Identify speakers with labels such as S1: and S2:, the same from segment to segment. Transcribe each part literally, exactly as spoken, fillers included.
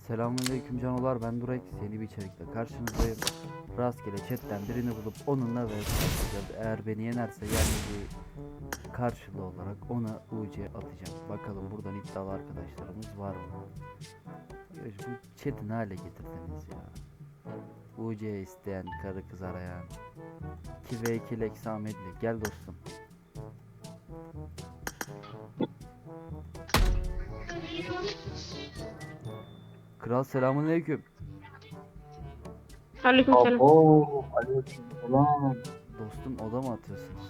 S1: Selamünaleyküm canolar, ben Durek. Yeni bir içerikle karşınızdayım. Rastgele chatten birini bulup onunla ve eğer beni yenerse yendiği karşılığı olarak ona U C atacağım. Bakalım buradan iddialı arkadaşlarımız var mı? Ya bu chat'i ne hale getirdiniz ya? U C isteyen, karı kız arayan. iki ve iki Lex Ahmetli, gel dostum. Kral selamünaleyküm.
S2: Aleykümselam.
S3: Oo, aleykümselam.
S1: Dostum, oda mı atıyorsunuz?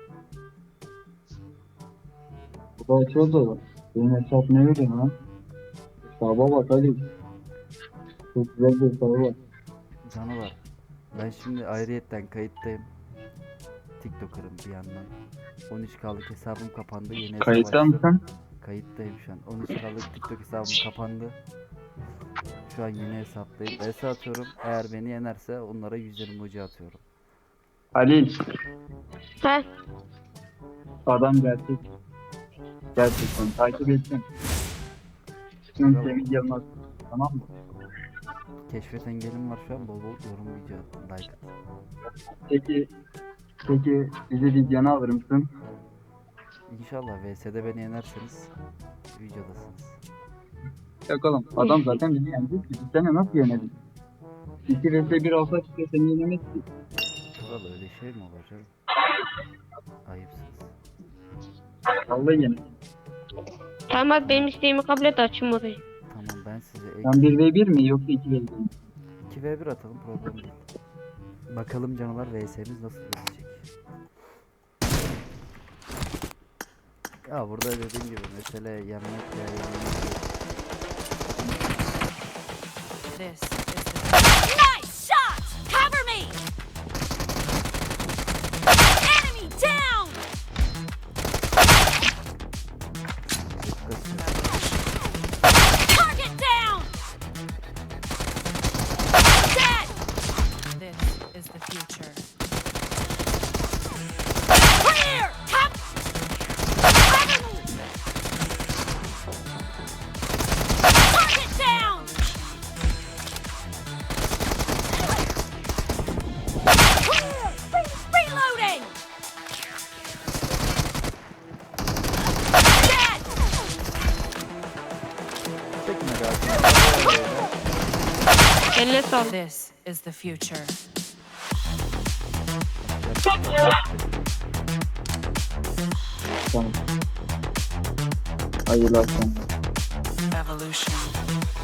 S3: Bu da açıyordu. Benim hesap ne veriyor lan? Hesaba bak Ali. Çok güzel bir hesabı var.
S1: Canavar. Ben şimdi ayrıyetten kayıttayım. TikToker'ım bir yandan. on üç K'lık hesabım kapandı. Yeni hesap
S3: Kayıtta
S1: açtım.
S3: mısın?
S1: Kayıttayım şu an. on üç K'lık TikTok hesabım kapandı. Şu an yeni hesaptayım. V S atıyorum. Eğer beni yenerse onlara yüz yirmi ucu atıyorum.
S3: Ali,
S2: He.
S3: adam gerçek. Gerçekten takip ettim. Tüm
S1: Bravo.
S3: Semih Yılmaz. Tamam mı?
S1: Keşfet engelim var şu an. Bol bol yorum, video at, like at.
S3: Peki, peki bizi videonu alır mısın?
S1: İnşallah V S'de beni yenerseniz videodasınız.
S3: Yok oğlum, adam zaten bizi yenecek ki. Biz seni nasıl yenelim? iki vs bir olsa çıkıyor seni yenemez ki.
S1: Kral öyle şey mi olur canım? Ayıpsınız.
S3: Vallahi yenemez.
S2: Tamam abi, benim isteğimi kabul et, açayım odayı.
S1: Tamam, ben size ek
S3: Sen bir ve bir mi yoksa iki ve bir mi?
S1: iki ve bir atalım, problem değil. Bakalım canavar V S'miz nasıl gidecek. Ya burada dediğim gibi mesele yenmek ya yenmek.
S4: This is the
S5: Nice shot! Cover me! Enemy down! Target down! Dead!
S4: this is the future.
S5: Clear! Top! Cover me! Target down! Clear! Re- reloading! Dead!
S1: Çekme galiba.
S2: Eline sağlık.
S4: This is the future.
S3: Tamam. Hayırlı akşamlar.
S4: Evolution.